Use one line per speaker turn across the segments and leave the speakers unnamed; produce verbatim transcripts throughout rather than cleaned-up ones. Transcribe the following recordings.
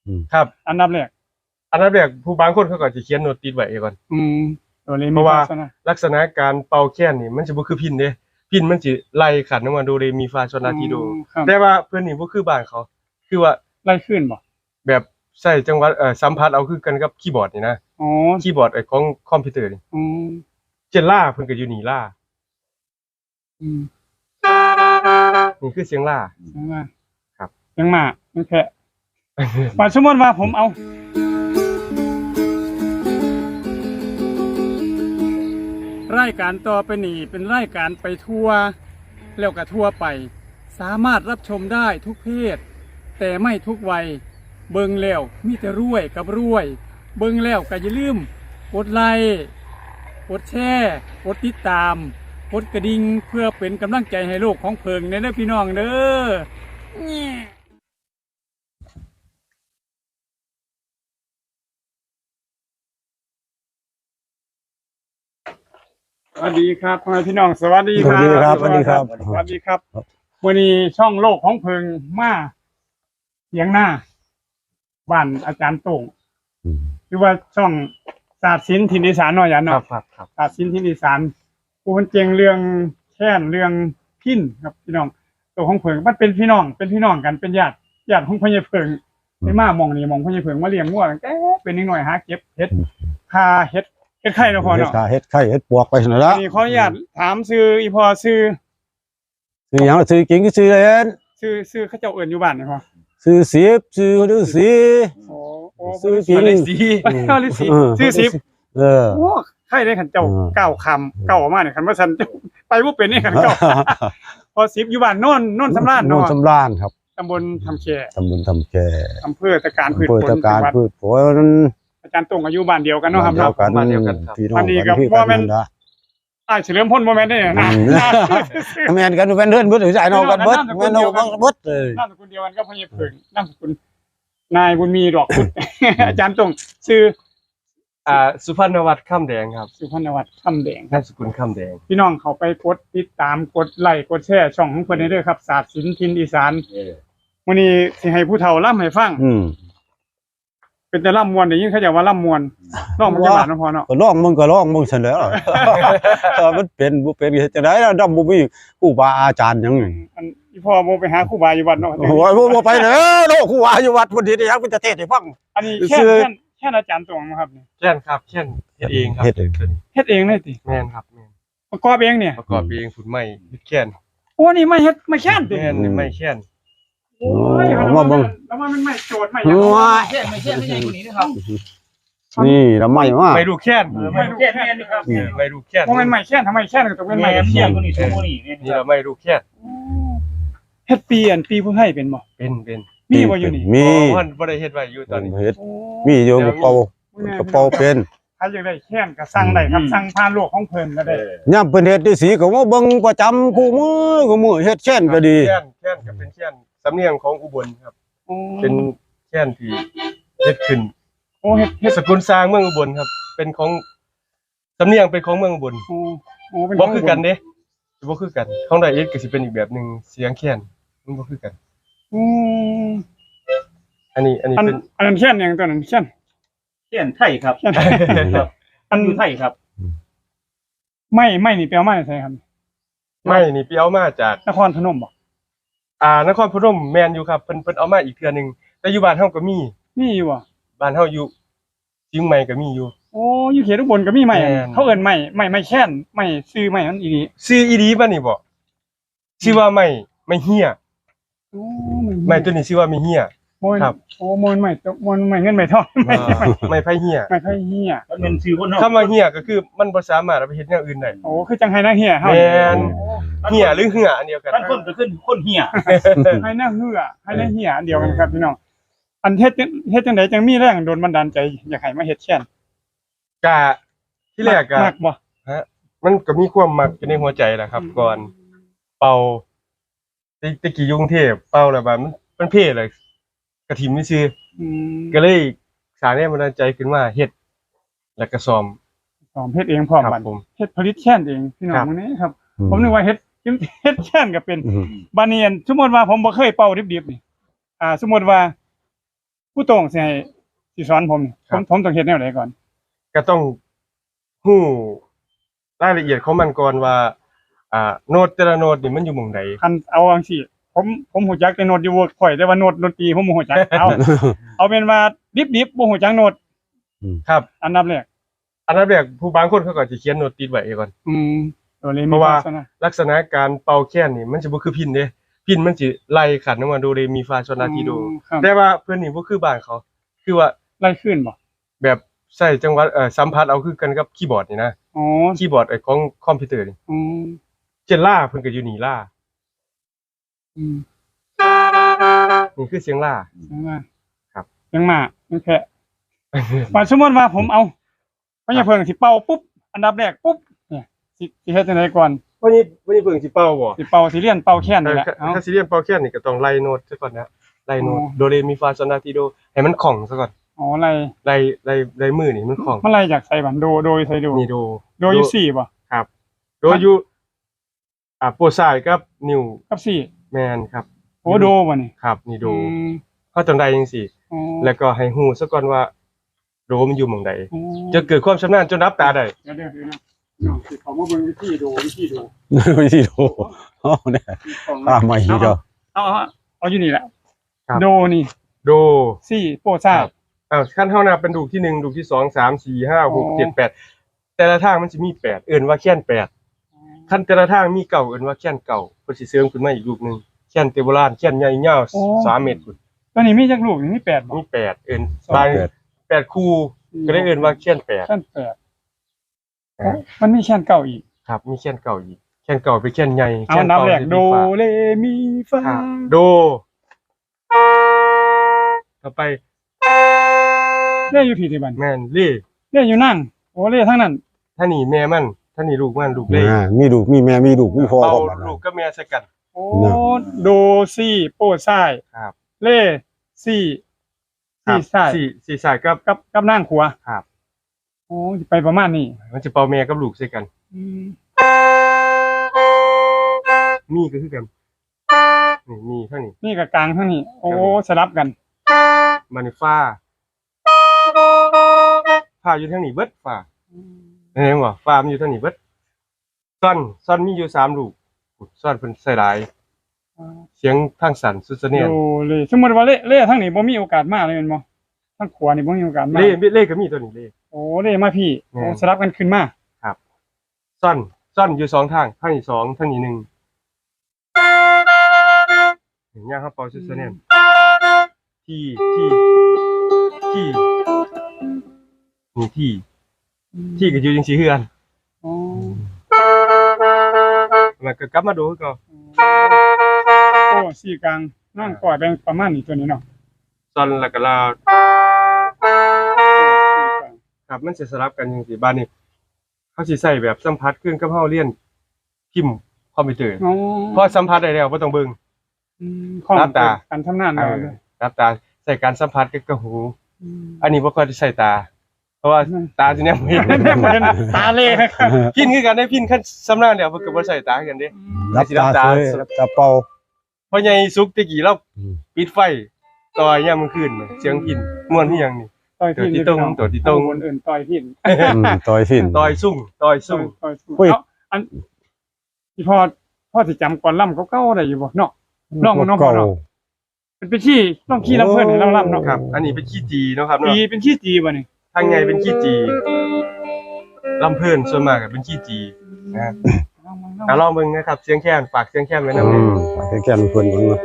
ครับ
อันดับแรก
อันดับแรกผู้บางคนเขาก็จะเขียนโน้ตติดไว้ก่อน
อืมตัวนี้
เพราะว่าลักษณะการเป่าแค้นนี่มันจะบ่คือพิณเด้พิณมันสิไล่ขันลงมาโดเรมีฟาโซลาทีโดแต่ว่าเพิ่นนี่บ่คือบ้านเขาคือว่า
ไล่ขึ้นบ่
แบบใช้จังหวะเอ่อสัมผัสเอาคือกันกับคีย์บอร์ดนี่นะ
อ๋อ
คีย์บอร์ดไอ้ของคอมพิวเตอร์นี่
อืม
เจนล่าเพิ่นก็อยู่นี่ล่า
อืม
นี่คือเสียงล่า
เสียงล่า
ครับ
เสียงมามันแค่ว่าสมมุติว่าผมเอารายการต่อไปนี้เป็นรายการไปทัวร์แล้วก็ทัวร์ไปสามารถรับชมได้ทุกเพศแต่ไม่ทุกวัยเบิ่งแล้วมีแต่รวยกับรวยเบิ่งแล้วก็อย่าลืมกดไลค์กดแชร์กดติดตามกดกระดิ่งเพื่อเป็นกำลังใจให้โลกของเพิงในเด้อพี่น้องเด้อสวัสดีครับพ่อแม่พี่น้องสวัสดีครับ
สวัสดีครับ
สวัสดีครับวันนี้ช่องโลกของเพิงมาเสียงหน้าบ้านอาจารย์โต่งหรือว่าช่องศาสตร์ศิลป์ทินอีสานหน่อยอย่างเนาะ
ครับครับ
ศาสตร์ศิลป์ทินอีสานผู้มันเจงเรื่องแค้นเรื่องพินครับพี่น้องตัวของเพิงมันเป็นพี่น้องเป็นพี่น้องกันเป็นญาติญาติของพ่อใหญ่เพิงไม่มามองนี่มองพ่อใหญ่เพิงมาเลี้ยงงัวตั้งแต่เป็นนิดหน่อยหาเก็บเฮ็ดคาเฮ็ดเฮ็ดไข่เนาะพ่อเนาะ
เฮ็ดไข่เฮ็ดปวกไปนั่นล่ะ
นี่ขออนุญาตถามชื่ออีพ่อชื่อ
ชื่อหยังชื่อจริงคือชื่อเล่น
ชื่อชื่อเขาเจ้าเอิ้นอยู่บ้านนี่พ่อ
ชื่อสิบชื่อฤาษี
โอ้โอ้
ชื่อจริง
ฤาษีฤาษีชื่อสิบ
เออ
โอ้ใครได้ขันเจ้าเก้าคำเก้าออกมาเนี่ยขันว่าฉันไปบ่เป็นนี่ขันเก้าพอสิบอยู่บ้านโน่นโน่นสำราญ
โน่น
เนาะ
สำราญครับ
ตำบลทำแค
ตำบลทำแค
อำเภอตะการพืชผล
อำเภอตะการพืชผล
อาจารย์ตรงอายุบ้านเดียวกันเนาะครับเนาะ
บ้านเดียวกันครับ
พี่น้องกันพี่กันนะ
อ้ายเฉลิมพลบ่แม่นได้เนี่ยนะ
แม่นกันเป็นเพื่อนเบิดหรือใจน้องกันเบิดแม่นน้องกันเบิดเลย
นามสกุลเดียวกันก็พ่อใหญ่เพิงนามสกุลนายบุญมีดอกพุธอาจารย์ตรงชื่อ
อ่าสุพรรณวัฒน์ค่ำแดงครับ
สุพรรณวัฒน์ค่ำแดง
นามสกุลค่ำแดง
พี่น้องเขาไปกดติดตามกดไลค์กดแชร์ช่องของเพิ่นได้เด้อครับศาสตร์ศิลป์ทินอีสานมื้อนี้สิให้ผู้เฒ่าล่ำให้ฟัง
อืม
เป็นแต่ล่ำมวนได้ยินเขาจะว่าล่ำมวนร้องมันจะบาดเนาะพอเนาะ
ก็ร้องมึงก็ร้องมึงซั่นแหล้วเออมันเป็นบ่เป็นเฮ็ดจังได๋ล่ะดำบ่มีครูบาอาจารย์หยัง
อันอีพ่อบ่ไปหาครูบาอยู่วัดเนาะ
โอ้ยบ่ไปเด้อโลครูบาอยู่วัดพุ่นสิได้หยังเป็นจะเทศให้ฟัง
อันนี้แค่แค่แค่อาจารย์ตรงครับนี่
แค่นครับแค่นเฮ็ดเองครับ
เฮ็ดเอง
เฮ็ดเองเลยติ
แม่นครับแม่น
ประกอบเองเนี่ย
ประกอบเองฝุ่นไม้เฮ็ดแค่น
โอ้นี่ไม่เฮ็ดไม่แค่นติ
แม่นนี่ไม้แค่น
โอ้ยแล้วว่ามันแล้วว่ามันไม่โจทย์ไม่หยัง
แค่ไม่แค่ไม่ใช่คนนี้นะครับ
นี่ละไม่ว่า
ไม่ดูแค่น
ไม่ดูแค่นนี่ครับ
ไม่ดูแค่น
บ่แม่นไม่แค่นทำไมแค่นก็ต้องเป็นไม่
แค่
แค่น
คนนี้สองคนนี้
นี่เราไม่ดูแค่น
เฮ็ดปีอันปีผู้ให้เป็นบ่
เป็นเป็น
มีบ่อยู่นี่
มี
บ่บ่ได้เฮ็ดไว้อยู่ตอนนี้
เฮ็ดมีอยู่กระเป๋ากระเป๋าเป็น
ใครอยากได้แค่นก็สั่งได้ครับสั่งผ่านโลกของเพิ่นก็ได้
ยามเพิ่นเฮ็ดฤาษีก็มาเบิ่งประจำคู่มือคู่มือเฮ็ดแค่นก็ดี
แค่นแค่นก็เป็นแค่นสำเนียงของอุบลครับเป็นแค่นที่เฮ็ดขึ้น
โอ้เฮ็ดเฮ็ด
สกุลสร้างเมืองอุบลครับเป็นของสำเนียงเป็นของเมืองอุบล
โอ้โอ้เป็น
บ่คือกันเด้บ่คือกันของไดเอสก็สิเป็นอีกแบบนึงเสียงแค่นมันบ่คือกัน
อืม
อันนี้อันนี้เป็น
อันนั้นแค่นหยังตัวนั้นแค่น
แค่ไทยครับอันอยู่ไทยครับ
ไม่ไม่นี่แปลว่าไสครับ
ไม่นี่ไปเอามาจาก
นครพนมบ่
อ่านครพนมแม่นอยู่ครับเพิ่นเพิ่นเอามาอีกเทื่อนึงแต่อยู่บ้านเฮาก็มี
มีอยู่บ่
บ้านเฮาอยู่เชียงใหม่ก็มีอยู่
โอ้อยู่เขตอุบลก็มีไม้เขาเอิ้นไม้ไม้ไม้แค้นไม้ชื่อไม้มันอีหลี
ชื่ออีหลีบ่นี่บ่ชื่อว่าไม้ไม้เหี้ย
โอ้
ไม้ตัวนี้ชื่อว่าไม้เหี้ย
ครับโอ้มนไม้มนไม้เงินไม้ทองไม้
ไม้ไผเหี้ย
ไม้ไผเหี้ย
มันเป็นชื่อคนเฮา
คำว่าเหี้ยก็คือมันบ่สามารถเอาไปเฮ็ดอย่างอื่นได้
โอ้คือจังไห้นางเหี้ยเฮา
แม่นเหี้ยหรือเหืออันเดียวกัน
บางคนก็ขึ้นคนเหี้ย
ให้นางเหือให้นางเหี้ยอันเดียวกันครับพี่น้องอันเฮ็ดเฮ็ดจังได๋จังมีแรงโดนบันดาลใจอยากให้มาเฮ็ดแค้น
ก็ที่แรกก็
มักบ่
ฮะมันก็มีความมักอยู่ในหัวใจแหละครับก่อนเป่าตะกี้อยู่กรุงเทพเป่าแล้วบัดมันมันเพ่เลยกระถิ่นซื่ออืมก็เลยสร้างแรงบันดาลใจขึ้นมาเฮ็ดแล้วก็ซ่อม
ซ่อมเฮ็ดเองพร้อมบัดเฮ็ดผลิตแค้นเองพี่น้องมื้อนี้ครับผมนึกว่าเฮ็ดเฮ็ดแค้นก็เป็นบัดนี้สมมุติว่าผมบ่เคยเป่าดิบๆนี่อ่าสมมุติว่าผู้ตรงสิให้สิสอนผมนี่ผมผมต้องเฮ็ดแนวใดก่อน
ก็ต้องฮู้รายละเอียดของมันก่อนว่าอ่าโน้ตแต่ละโน้ตนี่มันอยู่หม่องใด
คันเอาจังซี่ผมผมฮู้จักแต่โน้ตอยู่เวิร์กพอยต์แต่ว่าโน้ตดนตรีผมบ่ฮู้จักเอา เอาเป็นว่าดิบๆบ่ฮู้จักโน้ต
ครับ
อันดับแรก
อันดับแรกผู้บางคนเขาก็สิเขียนโน้ตติดไว้ก่อน
อืมโดเร
เพ
มี
ราะว่า
ฟาโซนะ
ลักษณะการเป่าแค้นนี่มันจะบ่คือพิณเด้พิณมันสิไล่ขันลงมาโดเรมีฟาโซลาทีโด
ครับ
แต่ว่าเพิ่นนี่บ่คือบ้านเขา คือว่า
ไล่ขึ้นบ่
แบบใช้จังหวะเอ่อสัมผัสเอาคือกันกับคีย์บอร์ดนี่นะ
อ๋อ
คีย์บอร์ดไอ้ของคอมพิวเตอร์นี่
อืม
เช่นล่าเพิ่นก็อยู่นี่ล่า
อืม
นี่คือเสียงล่า
ยังมา
ครับ
ยังมายังแค่ว่าสมมุติว่าผมเอาพญาเพิงสิเป่าปุ๊บอันดับแรกปุ๊บเนี่ยสิสิเฮ็ดจังไดก่อน
วันนี้วันนี้เพิ่งสิเป่าบ่
สิเป่าสิเลียนเป่าแค้นนี่แหละ
ถ้า
เอา
ถ้าสิเรียนเป่าแค้นนี่ก็ต้องไล่โน้ตซะก่อนนะไล่โน้ต
อ๋อ
โดเรมีฟาโซลาทีโดให้มันคล่องซะก่อน
อ๋อไล่
ไล่ไล่ไล่มือนี่มันคล่อง
มันไล่จากไสบันโดโดยไสโด
นี่โด
โดยอยู่สี่บ่
ครับ โดอยู่อ่าโปรซ้ายกับนิ้ว
กับสี่
แมนครับ
โอ้โดบ่นี่
ครับนี่โด
อืม
เขาต้องได้จังซี่
อ๋อ
แล้วก็ให้ฮู้ซะก่อนว่าโดมันอยู่หม่องใด
อ๋อ
จะเกิดความชำนาญจนรับตาได้
เดี๋ยวเดี๋ยวเดี๋ยวนะน้องสิเขามาเบิ่งวิธีโดวิธีโด
วิธีดูเอาเนี่ย
ของ
ตามมาอีกเด้อ
เอาเอาเอาอยู่นี่แหละ
ครับ
โดนี่
โด
สี่โปรซ่า
อ้าวขั้นเฮานับเป็นดูกที่หนึ่งดูกที่สอง สาม สี่ ห้า หก เจ็ด แปดแต่ละทางมันสิมีแปดเอิ้นว่าแค้นแปดขั้นแต่ละทางมีเก้าเอิ้นว่าแค้นเก้าเพิ่นสิเสริมขึ้นมาอีกรูปหนึงแค้นเตโบราณแค้นใหญ่ยาวสามเมตรพุ่น
ตัวนี้มีจักลูกนี่มีแปดบ่
มีแปดเอิ้น
สอง
บาง
แปด
แปดคู่ก็ได้เอิ้นว่าแค้นแปด
แค่นแปดมันมีแค่นเก่าอีก
ครับมีแค้นเก่าอีกแค้นเก่าเป็นแค้นใหญ่
เอา
แค้
อั
น
นดับ
เก่า
แรก
สิ
โด
มีฟ้า
เรมีฟา
ครับโดต่อไป
เล่อยู่ผิดที่บัน
แม่นเล่
เล่อยู่นั่งโอ้เล่ทั้งนั้น
ท่านี่แม่มันท่านี่ลูกมันลูกเล่
อ่ามีลูกมีแม่มีลูกมีพ่อ
เป่า
พร้อม
ลูกกับแม่ใส่กัน
โอ้โดซี่โปรซ่าย
ครับ
เล่ซี่ซี่ซ่าย
สี่สี่สายกับ
กับกับนั่งขัว
ครับ
โอ้ไปประมาณนี้
มันจะเป่าแม่กับลูกใส่กัน
อืม
มีก็คือกันนี่มีเท่านี้
นี่กับกลางทั้งนี้ โอ้สลับกัน
มันนี่ฟ้าฟ้าอยู่ทางนี้เบิดฟ้าเห็นบ่ฟ้ามันอยู่ทางนี้เบิดซ่อนซ่อนมีอยู่สามลูกซ่อนเพิ่นใส่หลายเสียงทางสั่นสุดเสนียน
โดเล่สมมติว่าเล่เล่ทั้งนี้บ่มีโอกาสมาเลยแม่นบ่ทั้งขัวนี่บ่มีโอกาสมา
เล่เล่ก็มีตัวนี้เล่
โอ้เล่มาพี่
แม่
โอ้สลับกันขึ้นมา
ซ่อนซ่อนอยู่สองทางทางนี้สองทางนี้หนึ่งเห็นยังครับเป่าสุดเสนียนที่ที่ที่นี่ที่ที่ก็อยู่จังซี่คือกัน
อ๋อ
แล้วก็กลับมาดูคือเก็
โอ้สี่กลางนั่งก่อยแบ่งประมาณนี้ตัวนี้เนาะ
ซ่อนแล้วก็ลาว
สี่กลาง
ครับมันสิสลับกันจังซี่บ้านนี้เขาสิใช้แบบสัมผัสขึ้นกับเฮาเรียนพิมพ์คอมพิวเตอร์
อ๋อ
พอสัมผัสได้แล้วบ่ต้องเบิ่ง
อืมข้อ
รับตา
การทำงาน
เอ
เรา
อ
เลย
รับตาใส่การสัมผัสกับกระหู
ม
อันนี้บ่ค่อยได้ใช้ตา เพราะว่าตาสิเนี่ยบ่เห็น
ประเด็นตาเล่ครับ
พินคือกันได้พินคันสำนานเดียวเพิ่นก็บ่ใช้ตาคือกันเด้
รับตาเสยรับตาเป่า
เพราะใหญ่สุกตะกี้เรา
อืม
ปิดไฟต่อยยามมื้อคืนน่ะเสียงพินม่วนคือหยังนี่
ต่อยพิน
ตัวที่ตรงตัวที่ตรง
คนอื่นต่อยพิน
อืมต่อยสิ้น
ต่อยซุ่งต่อยซุ่ง
ต่อยสู้
อุ้ย
เอาอันที่พ่อพ่อสิจำก่อนล่ำเก่าๆได้อยู่บ่เนาะ ลองน้องพ่อเนาะ เป็นเป็นขี้ต้องขี้ลำเพิ่นให้เราล่ำเนาะ
ครับ อันนี้เป็นขี้จีเนาะครับ
จี
เนาะ
เป็นขี้จีบ่นี่
ทางใหญ่เป็นขี้จีลำเพิ่นส่วนมากก็เป็นขี้จีนะ
ลองมา
อ่ะลองเบิ่งนะครับ เสียงแค้นฝากเสียงแค้นไว้นำ
อืมแค่ๆเพิ่นเพิ่นว่า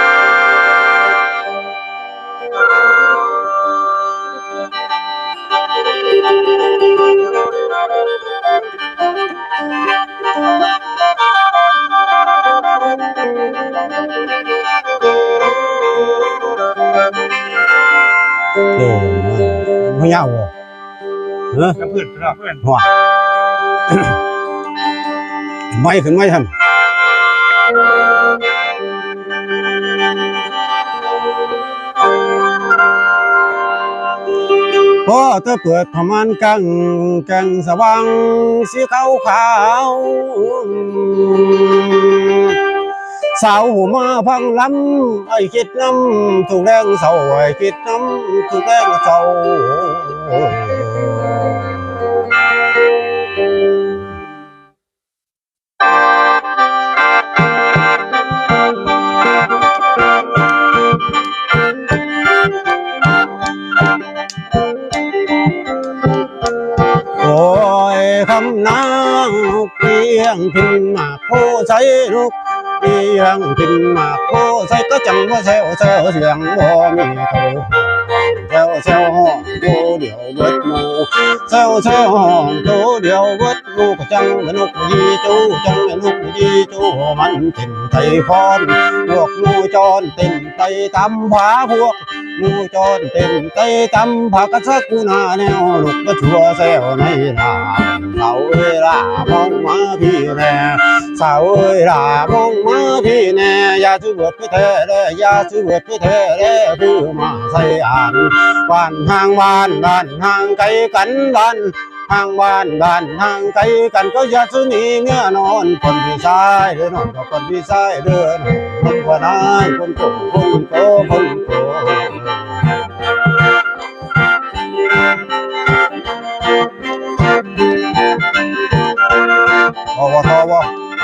เออมันยาวบ่เออ
น้ำเพิ่นครับ
เพื่อน
หัวไม่ขึ้นไม่ทำพอเธอเปิดพม่านกังแกงสว่างสีขาวขาวสาวหูมาพังลำไอ้คิดน้ำถูกแรงเศร้าไอ้คิดน้ำถูกแรงเศร้าโอ้ยคำนางเพียงพินมาโพใส่ลูกเพียงพินมาโพใส่ก็จังว่าแซวแซวเสียงบ่มีโตแซวแซวห้องโตเดียวเบิดหมู่แซวแซวห้องโตเดียวเบิดหมู่ก็จังนกยีจูจังนกยีจูมันเต้นไทยพรพวกหมู่จรเต้นไทยตำผาพวกหมู่จรเต้นไทยตำผากระซักกูนาแนวนกก็ชัวแซวในลาสาวเอ้ยล่ามองมาพี่แน่สาวเอ้ยล่ามองมาพี่แน่อย่าซื้อเบิดพี่แท้เลยอย่าซื้อเบิดพี่แท้เลยคือมาใส่อ่านบ้านห่างบ้านบ้านห่างไกลกันบ้านห่างบ้านบ้านห่างไกลกันก็อย่าซื้อหนีเงื่อนอนคนพี่ชายเดินนอนกับคนพี่ชายเดินคนพนายคนโตคนโตคนโตทวทว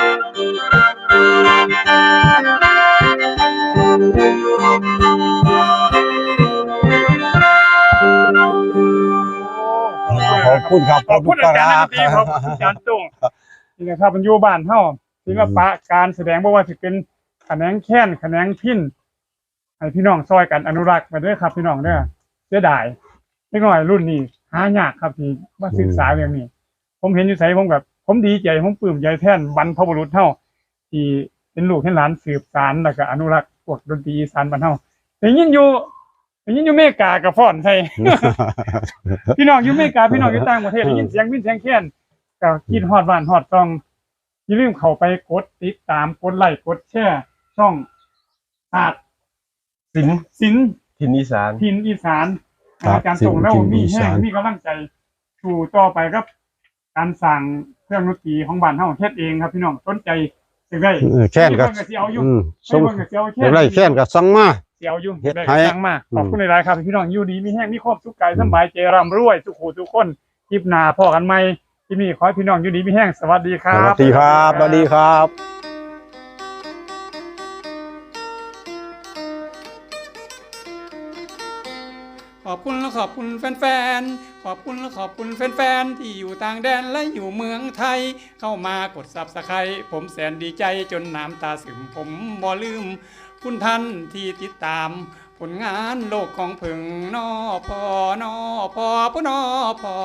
ขอบคุณครับ
ขอบคุณอาจารย์นักดนตรีขอบคุณอาจารย์ตุ้งนี่นะครับมันอยู่บ้านเฮาศิลปะการแสดงบ่ว่าสิเป็นแขนงแค้นแขนงพิณให้พี่น้องซอยกันอนุรักษ์ไปด้วยครับพี่น้องเด้อเสียดายเล็กน้อยรุ่นนี้หายากครับที่มาศึกษาเรื่องนี้ผมเห็นอยู่ไสผมแบบผมดีใจผมปลื้มใจแทนบรรพบุรุษเฮาที่เป็นลูกเป็นหลานสืบสานแล้วก็อนุรักษ์พวกดนตรีอีสานบ้านเฮาได้ยินอยู่ได้ยินอยู่อเมริกากับฟ้อนใส่ พี่น้องอยู่อเมริกาพี่น้องอยู่ต่างประเทศได้ยินเสียงวินเสียงแค้นก็คิดฮอดบ้านฮอดต้องอย่าลืมเข้าไปกดติดตามกดไลค์กดแชร์ช่องอาจ
สิน
ศิลป์
ถิ่นอีสาน
ถิ่นอีสาน
ครับ
อาจารย์ส่งแล้ว
ศิลป์ถิ่น
มี
อี
แห้
สาง น
มีกำลังใจสู่ต่อไปครับ การสั่งเครื่องดนตรีของบ้านเฮาเฮ็ดเองครับพี่น้องสนใจจังได๋
เออแค้นก็
เพิ่นก็สิเอาอยู่
อืม
ส่
ส่
ง
ง
เพิ่นก็สิเอาแค่
อะไรแค้นก็สั่งมา
สิเอาอยู่
เฮ็ด
ได้
ให้
สั่งมาขอบคุณหลายๆครับพี่น้องอยู่ดีมีแห้งมีความสุขกายสบายใจร่ำรวยทุกผู้ทุกคนคลิปหน้าพอกันใหม่ที่นี่ขอให้พี่น้องอยู่ดีมีแห้งสวัสดีค
ส
รับ
วัสดีครับสวัสดีครับ
ขอบคุณและขอบคุณแฟนๆ ขอบคุณและขอบคุณแฟนๆ ที่อยู่ต่างแดนและอยู่เมืองไทย เข้ามากดซับสไครต์ผมแสนดีใจจนน้ำตาซึมผมบ่ลืม คุณท่านที่ติดตาม ผลงานโลกของผึ่งนอพอนอพอพนอพอ